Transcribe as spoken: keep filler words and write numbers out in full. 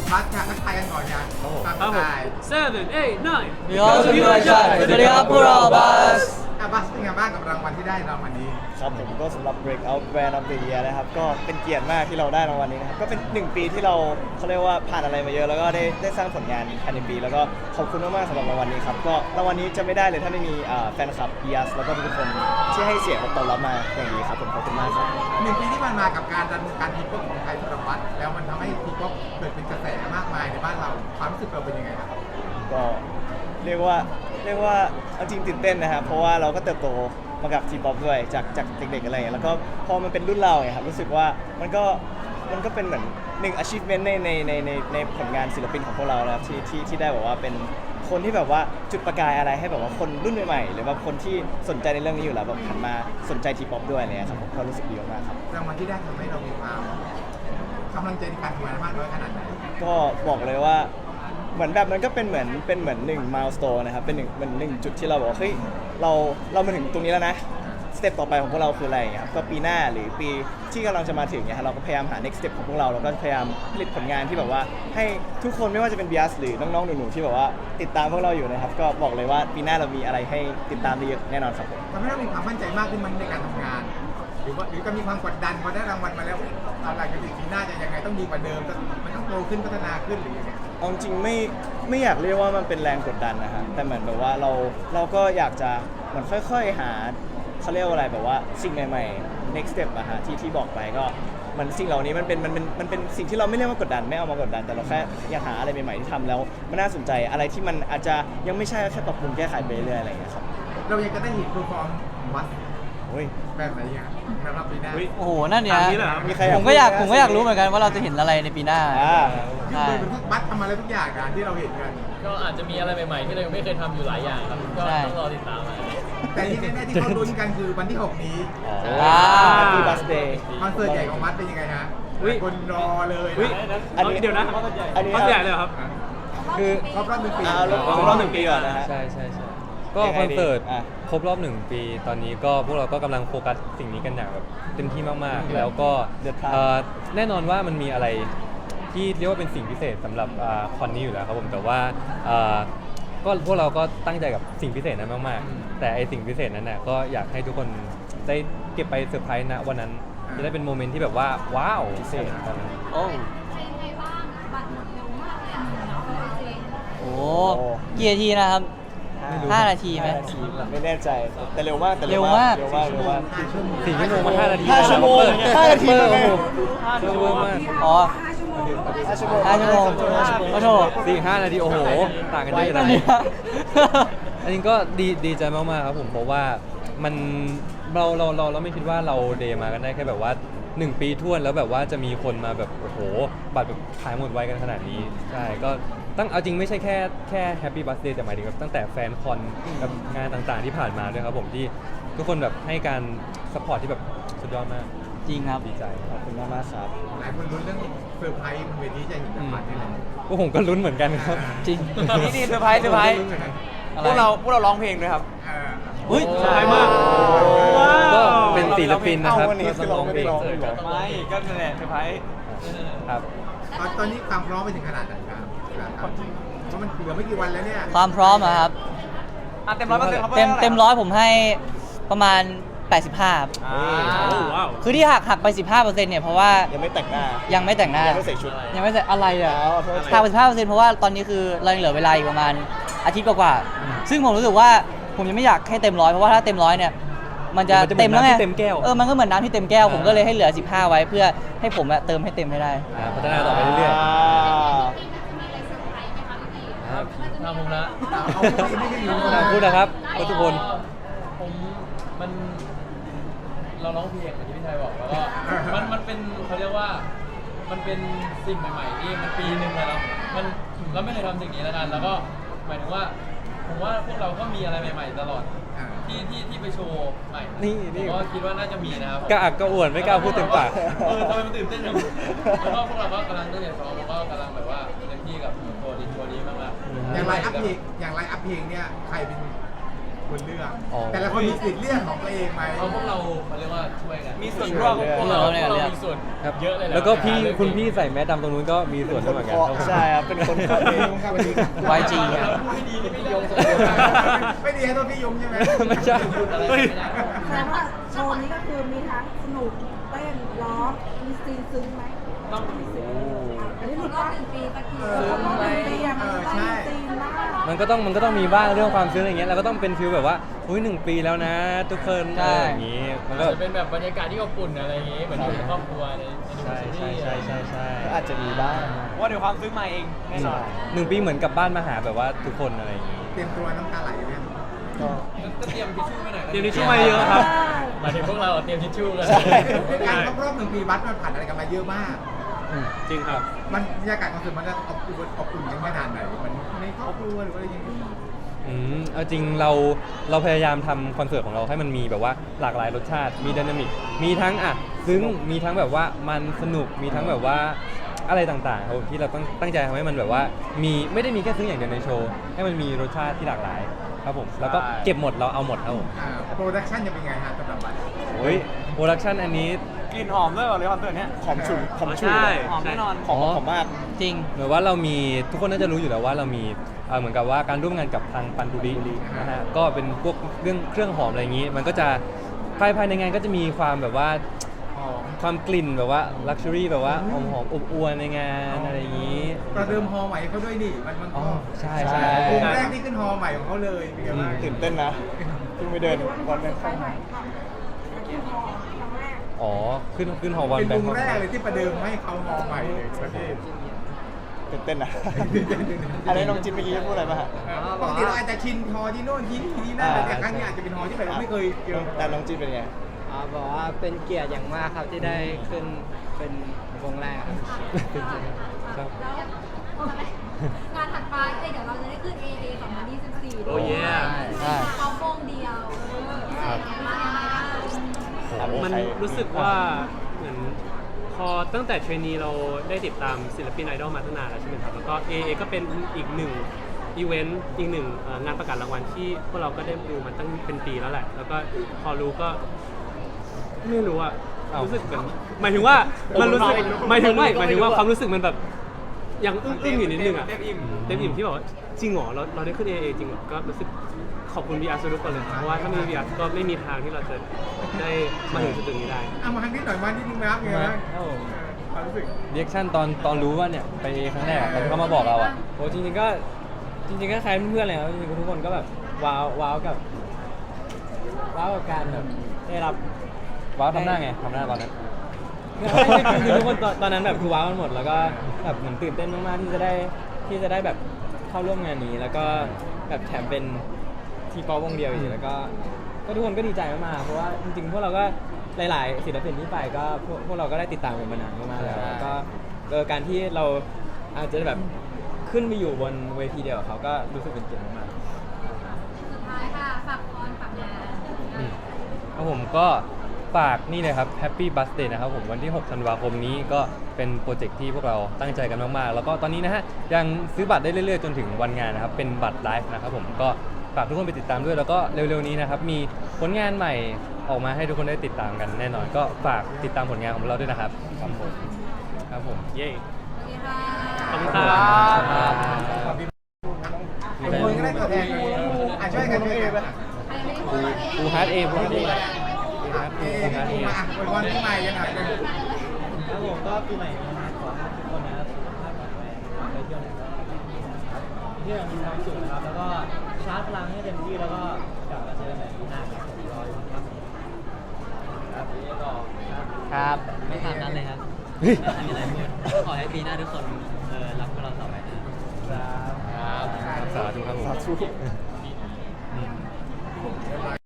บัสค่ะทักทายกันก่อนยังตามสไตล์ seven eight nine มีออสมีราชาสวัสดีครับพวกเราบัสอ่ะบัสเป็นไงบ้างกับรางวัลที่ได้รางวัลนี้ครับผมก็สำหรับ Breakout Brand of the Year นะครับก็เป็นเกียรติมากที่เราได้รางวัลนี้นะครับก็เป็นหนึ่งปีที่เราเขาเรียกว่าผ่านอะไรมาเยอะแล้วก็ได้ได้สร้างผลงานภายในปีแล้วก็ขอบคุณมากๆสำหรับรางวัลนี้ครับก็รางวัลนี้จะไม่ได้เลยถ้าไม่มีอ่าแฟนคลับ บี เอ เอส แล้วก็ทุกคนที่ให้เสียงตอบรับมาอย่างดีครับผมขอบคุณมากครับหนึ่งปีที่ผ่านมากับการดำเนินการทีป๊อปของไทยสำหรับบัสแล้วมันทำให้ทีป๊อปเกิดเป็นกระแสมากมายในบ้านเราความรู้สึกเราเป็นยังไงครับก็เรียกว่าเรียกว่าเอาจริงตื่นเต้นนะครับเพราะว่าเราก็เติบโตมากับทีป๊อปด้วยจากจากเด็กๆอะไรอย่างเงี้ยแล้วก็พอมันเป็นรุ่นเราไงครับรู้สึกว่ามันก็มันก็เป็นเหมือนหนึ่ง achievement ในในในในในผลงานศิลปินของพวกเรานะครับที่ที่ที่ได้แบบว่าเป็นคนที่แบบว่าจุดประกายอะไรให้แบบว่าคนรุ่นใหม่ๆหรือว่าคนที่สนใจในเรื่องนี้อยู่แล้วแบบหันมาสนใจทีป๊อปด้วยอะไรเงี้ยครับผมก็รู้สึกดีมากๆครับรางวัลที่ได้ทำให้เรามีความกำลังใจในการทำงานมากน้อยขนาดไหนก็บอกเลยว่าเหมือนแบบมันก็เป็นเหมือนเป็นเหมือนหนึ่งมายสโตนนะครับเป็นหนึ่งเหมือนหนึ่งจุดที่เราบอกว่าเฮ้ยเราเรามาถึงตรงนี้แล้วนะสเต็ปต่อไปของพวกเราคืออะไรอย่างเงี้ยครับก็ปีหน้าหรือปีที่กำลังจะมาถึงเนี่ยเราก็พยายามหา next step ของพวกเราเราก็พยายามผลิตผลงานที่แบบว่าให้ทุกคนไม่ว่าจะเป็น บี เอ เอส หรือน้องๆหนูๆที่แบบว่าติดตามพวกเราอยู่นะครับก็บอกเลยว่าปีหน้าเรามีอะไรให้ติดตามได้เยอะแน่นอนครับผมทำให้เรามีความมั่นใจมากขึ้นมั้ยในการทำงาน หรือว่าหรือจะมีความกดดันพอได้รางวัลมาแล้วอะไรกันอีกปีหน้าจะยังไงต้องดีกว่าเดิมมันต้องโตขึ้นพัฒนาขึ้นหรือยังไงเอาจริงไม่ไม่อยากเรียกว่ามันเป็นแรงกดดันนะฮะแต่เหมือนแบบว่าเราเราก็อยากจะเหมือนค่อยๆหาเขาเรียกว่าอะไรแบบว่าสิ่งใหม่ๆ next step อะฮะที่ที่บอกไปก็มันสิ่งเหล่านี้มันเป็นมันเป็นมันเป็นสิ่งที่เราไม่เรียกว่ากดดันไม่เอามากดดันแต่เราแค่อยากหาอะไรใหม่ๆที่ทำแล้วมันน่าสนใจอะไรที่มันอาจจะยังไม่ใช่แค่ปรับปรุงแก้ไขไปเรื่อยๆอะไรอย่างเงี้ยครับเรายังจะได้เห็นเพอร์ฟอร์มวัดโอ้ยแบบไหนอ่ะนะครับปีหน้าโอ้โหนั่นเนี่ยตามนี้เหรอมีใครอยากผมก็อยากพูดไหมผมก็อยากรู้เหมือนกันว่าเราจะเห็นอะไรในปีหน้าอ่าซึ่งโดยเป็นทุกบัตทำอะไรทุกอย่างกันที่เราเห็นกันก็อาจจะมีอะไรใหม่ๆที่เรายังไม่เคยทำอยู่หลายอย่างครับก็ใช่ต้องรอติดตามมาแต่ที่แน่ๆที่เขาลุ้นกันคือวันที่หกนี้อ่า Happy Birthday คอนเสิร์ตใหญ่ของวัดเป็นยังไงฮะอุ๊ยคนรอเลยอุ๊ยนะอันนี้เดี๋ยวนะอันนี้คอนเสิร์ตใหญ่เลยเหรอครับคือครบรอบหนึ่งปีอ่าลงลงรอบหนึ่งปีก่อนนะฮะใช่ใช่ใช่ก็ยังไงคอนเสิร์ตดีอ่ะครบรอบหนึ่งปีตอนนี้ก็พวกเราก็กำลังโฟกัสสิ่งนี้กันอย่างแบบเต็มที่มากๆ แล้วก็เดือดพล่านเอ่อแน่นอนว่ามันมีอะไรที่เรียกว่าเป็นสิ่งพิเศษสำหรับอ่าคอนนี้อยู่แล้วครับผมแต่ว่าอ่าก็พวกเราก็ตั้งใจกับสิ่งพิเศษนั้นมากๆ แต่ไอสิ่งพิเศษนั้นน่ะก็อยากให้ทุกคนได้เก็บไปเซอร์ไพรส์นะวันนั้นจะได้เป็นโมเมนต์ที่แบบว่าว้าวพิเศษตอนนั้นโอ้เป็นยังไงบ้างบัตรหมดเร็วมากเลยอ่ะเนาะจริงโหกี่นาทีนะครับ ห้านาทีไหมห้นาทีไม่แน่ใจแต่เร็วมากแต่เร็วมากเร็วมากเร็วมากสี่ชั่วโมงมาห้านาทีห้าชั่วโมงเปิดห้านาทีเปิดเลยโอ้โหชั่วโมงมากอ๋อห้าชั่วโมงห้าชั่วโมงห้าชั่วโมงโอ้โหสี่ห้านาทีโอ้โหต่างกันเยอะนั่นะนเนี่ยอันนี้ก็ดีดีใจมากๆครับผมเพราะว่ามันเราเราเราเราไม่คิดว่าเราเดย์มากันได้แค่แบบว่าหนึ่งปีท้วนแล้วแบบว่าจะมีคนมาแบบโอ้โหบัตรแบบขายหมดไวกันขนาดนี้ใช่ก็ตั้งเอาจริงไม่ใช่แค่แค่แฮปปี้บัสเดย์แต่หมายถึงแบบตั้งแต่แฟนคอนกับงานต่างๆที่ผ่านมาด้วยครับผมที่ทุกคนแบบให้การสปอร์ตที่แบบสุดยอดมากจริงครับดีใจขอบคุณมากมากๆครับหลายคนลุ้นเรื่องเซอร์ไพรส์บนเวทีจะเห็นจากบัตรนี่แหละพวกผมก็ลุ้นเหมือนกันครับจริงนี่นี่เซอร์ไพรส์เซอร์ไพรส์ลุ้นยังไงอะไรพวกเราพวกเราร้องเพลงด้วยครับเอออุ้ยสบายมากว้าวก็เป็นศิลปินนะครับเอ้าวันนี้คือเราไม่ได้ร้องเลยเหรอไม่ก็นั่นแหละเซอร์ไพรส์ครับตอนตอนนี้ความพร้อมไปถึงขนาดไหนครับครับเพราะมันเหลือไม่กี่วันแล้วเนี่ยความพร้อมอะครับอ่ะเต็มร้อยเปอร์เซ็นต์ครับเต็มเต็มร้อยผมให้ประมาณ แปดสิบห้าครับอ่าโอ้ว้าวคือที่หักหักไป สิบห้าเปอร์เซ็นต์เนี่ยเพราะว่ายังไม่แต่งหน้ายังไม่แต่งหน้ายังไม่ใส่ชุดยังไม่ใส่อะไรอ่ะอ๋อโทษทีหักไปสิบห้าเปอร์เซ็นต์เพราะว่าตอนนี้คือเรายังเหลือเวลาอีกประมาณอาทิตย์กว่าๆซึ่งผมรู้สึกว่าผมยังไม่อยากให้เต็มร้อยเพราะว่าถ้าเต็มร้อยเนี่ยมันจะมันจะเหมือนเต็มแล้วไงน้ำที่เต็มแก้วเออมันก็เหมือนน้ำที่เต็มแก้วผมอ่าก็เลยให้เหลือสิบห้าไว้เพื่อให้ผมอะเติมให้เต็มให้ได้อ่าพัฒนาต่อไปเรื่อยอ่าๆครับทำผมละเอาไม่ไม่ได้รู้อ่าพูดนะครับทุกคนผมมันเราร้องเพลงอย่างที่พี่ชายบอกแล้วก็มันมันเป็นเขาเรียกว่ามันเป็นสิ่งใหม่ๆที่มันปีหนึ่งแล้วเนอะมันเราไม่เคยทำสิ่งนี้แล้วกันแล้วก็หมายถึงว่าผมว่าพวกเราก็มีอะไรใหม่ ๆ ตลอดที่ที่ที่ไปโชว์ใหม่นี่นี่ผมก็คิดว่าน่าจะมีนะครับกระอักกระอ่วนไม่กล้าพูดเต็มปากเออทำไมมันตื่นเต้นจังแล้วก็พวกเราก็กำลังตั้งใจซ้อมแล้วก็กำลังแบบว่าเต็มที่กับโชว์นี้โชว์นี้มากๆอย่างไลน์อัพเพลงอย่างไลน์อัพเพลงเนี่ยใครเป็นคนเลือกอ๋อแต่ละคนมีสิทธิ์เลือกของตัวเองไหมเอาพวกเราเขาเรียกว่าช่วยกันมีส่วนร่วมพวกเราพวกเรามีส่วนครับเยอะเลยหะแล้วก็พี่ในการเลือกคุณพี่ใส่แมสดำตรงนู้นก็มีส่วนด้วยเหมือนกันครับผมใช่ครับเป็นคนเคาะเองวาย จี ครับไม่ดีนี่ไม่ยงสมไม่ดีให้ตัวพี่ยงใช่ไหมไม่ใช่เฮ้ยแสดงว่าโชว์นี้ก็คือมีทั้งสนุกเต้นร้องมีซีนซึ้งไหมต้องอันนี้คหรลุบดรอบว่าหนึ่งปีตะกี้เอเอออต้องเป็นซีนอะมันต้องมีซีนมากมันก็ต้องมันก็ต้องมีบ้างเรื่องความซึ้งอะไรเงี้ยเราก็ต้องเป็นฟิลแบบว่าอุ้ยหนึ่งปีแล้วนะ ทุกคนใช่อะไรอย่างงี้มันก็จะเป็นแบบบรรยากาศที่อบอุ่นอะไรอย่างงี้เหมือนอยู่ในครอบครัวในในใช่ใช่ใช่ใช่ใช่ก็อาจจะมีบ้างว่าเดี๋ยวความซื้อมาเองแน่นอนหนึ่งปีเหมือนกลับบ้านมาหาแบบว่าทุกคนอะไรอย่างงี้เตรียมตัวน้ำตาไหลไหมก็ก็เตรียมทิชชู่ไปหน่อยเตรียมทิชชู่มาเยอะครับหมายถึงพวกเราเตรียมทิชชู่กันใช่ด้วยการครบรอบหนึ่งปีวัดมันผ่านอะไรกันมาเยอะมากจริงครับมันบรรยากาศคอนเสิร์ตมันจะอบอุ่นอบอุ่นยังขนาดไหนมันในครอบครัวหรือว่าอะไรอย่างเงี้ยอืมเอาจริงเราเราพยายามทำคอนเสิร์ตของเราให้มันมีแบบว่าหลากหลายรสชาติมีไดนามิกมีทั้งอ่ะซึ้งมีทั้งแบบว่ามันสนุกมีทั้งแบบว่าอะไรต่างๆครับผมที่เราต้องตั้งใจทำให้มันแบบว่ามีไม่ได้มีแค่ซึ้งอย่างเดียวในโชว์ให้มันมีรสชาติที่หลากหลายครับผมแล้วก็เก็บหมดเราเอาหมดครับผมโปรดักชั่นจะเป็นไงฮะสำหรับบัตรโอ้ยโปรดักชันอันนี้กลิ่นหอมด้วยเหรอเลยคอนเสิร์ตเนี้ยหอมฉุนหอมฉุนใช่หอมแน่นอนหอมหอมมากจริงเหมือนว่าเรามีทุกคนน่าจะรู้อยู่แล้วว่าเรามีเอ่อเหมือนกับว่าการร่วมงานกับทางปันดุรินะฮะก็เป็นพวกเรื่องเครื่องหอมอะไรอย่างนี้ มันก็จะภายภายในงานก็จะมีความแบบว่าหอมความกลิ่นแบบว่าลักชัวรี่แบบว่าหอมหอมๆอบอวลในงานอะไรอย่างนี้ประเดิมฮอใหม่เขาด้วยนี่มันมันอ๋ก็อใช่ใช่ใช่วงแรกที่ขึ้นฮอใหม่ของเขาเลยเป็นไงบ้างตื่นเต้นนะเพิ่งไปเดินวันนั้นไปใหม่ครับที่พอครั้งแรกอ๋อขึ้นขึ้นหอวันเป็นแบวงงค์แรกเลยที่ประเดิมให้เขาฮอใหม่เลยประเทศตื่นเต้นนะอันนี้น้องจินเมื่อกี้จะพูดอะไรป่ะฮะปกติเราอาจจะชินฮอที่โน่นที่นี่ที่นั่นแต่ครั้งนี้อาจจะเป็นฮอที่แบบเราไม่เคยเจอแต่น้องจินเป็นไงอ่าบอกว่าเป็นเกียรติอย่างมากครับที่ได้ขึ้นเป็นวงแรกครับครับแล้วงานถัดไปเอ้ยเดี๋ยวเราจะได้ขึ้น เอ เอ สองพันยี่สิบสี่โอ้เย่ใช่เขาวงเดียวเออเป็นไงบ้างครับมันรู้สึกว่าเหมือนพอตั้งแต่เทรนนีเราได้ติดตามศิลปินไอดอลมาตั้งนานแล้วใช่ไหมครับแล้วก็ เอ เอ ก็เป็นอีกหนึ่งอีเวนต์อีกหนึ่งเอ่องานประกาศรางวัลที่พวกเราก็ได้ดูมาตั้งเป็นปีแล้วแหละ แล้วก็พอรู้ก็ไม่รู้อะอ้าวรู้สึกเหมือนหมายถึงว่ามันรู้สึกหมายถึงไม่หมายถึงว่าความรู้สึกมันแบบยังอึ้งๆอยู่นิดนึงอะเต็มอิ่มเต็มอิ่มที่บอกว่าจริงเหรอเราเราได้ขึ้น เอ เอ จริงเหรอก็รู้สึกขอบคุณ บี อาร์ ทุกคนเลยครับเพราะว่าถ้าไม่มี บี อาร์ ก็ไม่มีทางที่เราจะได้มาถึงจุดนี้ได้เอามาครั้งนี้หน่อยมานิดนึงนะครับไงบ้างความรู้สึกเรียกชั่นตอนตอนรู้ว่าเนี่ยไปครั้งแรกอะตอนที่เขามาบอกเราอ่ะโอ้จริงๆก็จริงๆก็คล้ายเพื่อนๆเลยครับจริงๆทุกคนก็แบบว้าวว้าวกับว้าวกับการแบบได้รับว้าวทำหน้าไงทำหน้าตอนนั้นไม่ไม่คือทุกคนตอนตอนนั้นแบบคือว้าวกันหมดแล้วก็แบบเหมือนตื่นเต้นมากๆที่จะได้ที่จะได้แบบเข้าร่วมงานนี้ แล้วก็แบบแถมเป็นทีป๊อปวงเดียวอีกแล้วก็ก็ทุกคนก็ดีใจมากๆเพราะว่าจริงๆพวกเราก็หลายๆศิลปินที่ไปก็พวกพวกเราก็ได้ติดตามกันมานานมากๆแล้วใช่แล้วก็เออการที่เราอาจจะแบบขึ้นไปอยู่บนเวทีเดียวกับเขาก็รู้สึกเป็นเกียรติมากๆสุดท้ายค่ะฝากคอนฝากงานอืมครับผมก็ฝากนี่เลยครับ Happy Birthday นะครับผมวันที่ หก ธันวาคมนี้ก็เป็นโปรเจกต์ที่พวกเราตั้งใจกันมากๆ แล้วก็ตอนนี้นะฮะยังซื้อบัตรได้เรื่อยๆ จนถึงวันงานนะครับ เป็นบัตรไลฟ์นะครับผมก็ฝากทุกคนไปติดตามด้วย แล้วก็เร็วๆนี้นะครับมีผลงานใหม่ออกมาให้ทุกคนได้ติดตามกันแน่นอน ก็ฝากติดตามผลงานของเราด้วยนะครับครับผมครับผมเย้โอเคค่ะขอบคุณครับขอบคุณคนก็ได้ตัวแทนอ่ะช่วยกันช่วยกันใครไม่ได้พูดเลยปูฮาร์ดเอปูฮาร์ดเอเอ๊ะที่มาอ่ะอวยพรที่ใหม่กันหน่อยเลยครับผมก็ปีใหม่นี้ขอให้ทุกคนนะครับสุขภาพแข็งแรงไปเที่ยวไหนก็เที่ยวมีความสุขนะครับแล้วก็ชาร์จพลังให้เต็มที่แล้วก็กลับมาเจอกันใหม่ปีหน้าครับผมรออยู่ครับครับต่อครับครับไม่ตามนั้นเลยครับไม่มีอะไรพูดขอให้ปีหน้าทุกคนเออรักพวกเราต่อไปนะครับสาธุครับผมสาธุอืม